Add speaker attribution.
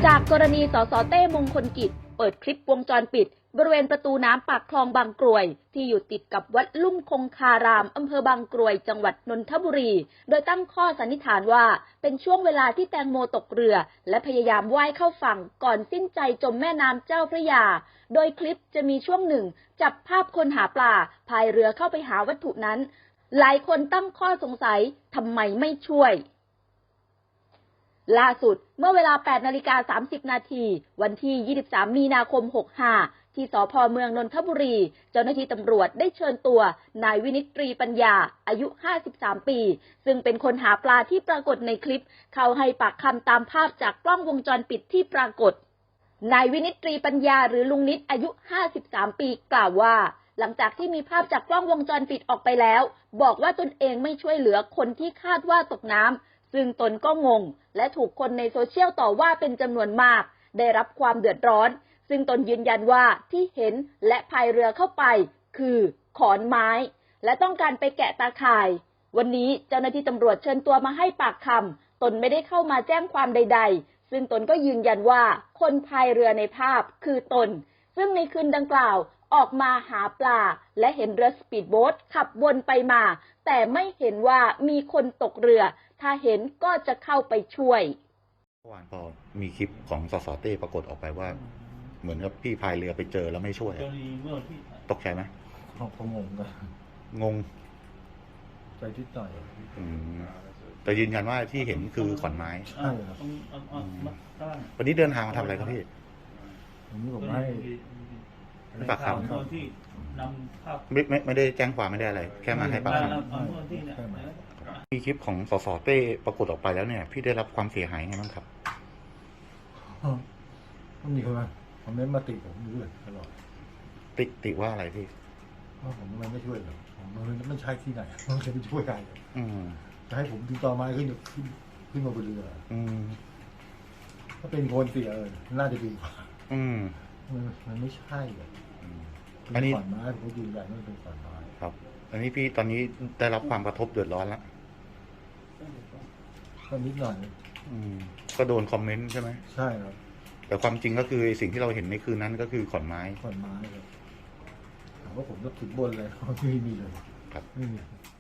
Speaker 1: จากกรณีสสเต้มงคลกิจเปิดคลิปวงจรปิดบริเวณประตูน้ำปากคลองบางกรวยที่อยู่ติดกับวัดลุ่มคงคารามอำเภอบางกรวยจังหวัดนนทบุรีโดยตั้งข้อสันนิษฐานว่าเป็นช่วงเวลาที่แตงโมตกเรือและพยายามว่ายเข้าฝั่งก่อนสิ้นใจจมแม่น้ำเจ้าพระยาโดยคลิปจะมีช่วงหนึ่งจับภาพคนหาปลาพายเรือเข้าไปหาวัตถุนั้นหลายคนตั้งข้อสงสัยทำไมไม่ช่วยล่าสุดเมื่อเวลา 8:30 น.วันที่ 23 มีนาคม 65 ที่สภ.เมืองนนทบุรีเจ้าหน้าที่ตำรวจได้เชิญตัวนายวินิตตรีปัญญาอายุ 53 ปีซึ่งเป็นคนหาปลาที่ปรากฏในคลิปเข้าให้ปากคำตามภาพจากกล้องวงจรปิดที่ปรากฏนายวินิตตรีปัญญาหรือลุงนิดอายุ 53 ปีกล่าวว่าหลังจากที่มีภาพจากกล้องวงจรปิดออกไปแล้วบอกว่าตนเองไม่ช่วยเหลือคนที่คาดว่าตกน้ำซึ่งตนก็งงและถูกคนในโซเชียลต่อว่าเป็นจำนวนมากได้รับความเดือดร้อนซึ่งตนยืนยันว่าที่เห็นและพายเรือเข้าไปคือขอนไม้และต้องการไปแกะตาข่ายวันนี้เจ้าหน้าที่ตำรวจเชิญตัวมาให้ปากคำตนไม่ได้เข้ามาแจ้งความใดๆซึ่งตนก็ยืนยันว่าคนพายเรือในภาพคือตนซึ่งในคืนดังกล่าวออกมาหาปลาและเห็นเรือสปีดโบ๊ทขับวนไปมาแต่ไม่เห็นว่ามีคนตกเรือถ้าเห็นก็จะเข้าไปช่วย
Speaker 2: เมื่อวานพอมีคลิปของสสเต้ปรากฏออกไปว่าเหมือนกับพี่พายเรือไปเจอแล้วไม่ช่วยตกใจไหม
Speaker 3: เขางงกัน
Speaker 2: งง
Speaker 3: ใจทิดหน่อย
Speaker 2: แต่ยืนยันว่าที่เห็นคือขอนไม้
Speaker 3: ใช่ครับ
Speaker 2: วันนี้เดินทางมาทำอะไรครับพี่
Speaker 3: วันนี้ผมให้
Speaker 2: ปากคำไม่ได้แจ้งความไม่ได้อะไรแค่มาให้ปากคำมีคลิปของสสเต้ปรากฏออกไปแล้วเนี่ยพี่ได้รับความเสียหายไงบ้างครับ
Speaker 3: มันมีคนมาคอมเมนต์มาติผมด้วยตลอด
Speaker 2: ติว่าอะไรพี่
Speaker 3: ว่าผมไม่ช่วยหรอกผมไม่ใช่ที่ไหนผมจะไปช่วยใครจะให้ผมติดต่อมาขึ้นมาบนเรือถ้าเป็นคนเสียน่าจะดีกว่ามันไม่ใช่อันนี้ขอนไม้ผมยืนยันว่าเป็นขอนไม้
Speaker 2: ครับอันนี้พี่ตอนนี้ได้รับความกระทบเดือดร้อนแล้ว
Speaker 3: ก็นิดหน่อย
Speaker 2: ก็โดนคอมเมนต์ใช่ไหม
Speaker 3: ใช่ครับ
Speaker 2: แต่ความจริงก็คือสิ่งที่เราเห็นในคืนนั้นก็คือขอนไม้
Speaker 3: ครับถามว่าผมก็ถึงบนเลยไม่มีเลย
Speaker 2: ครับ
Speaker 3: ไม่มี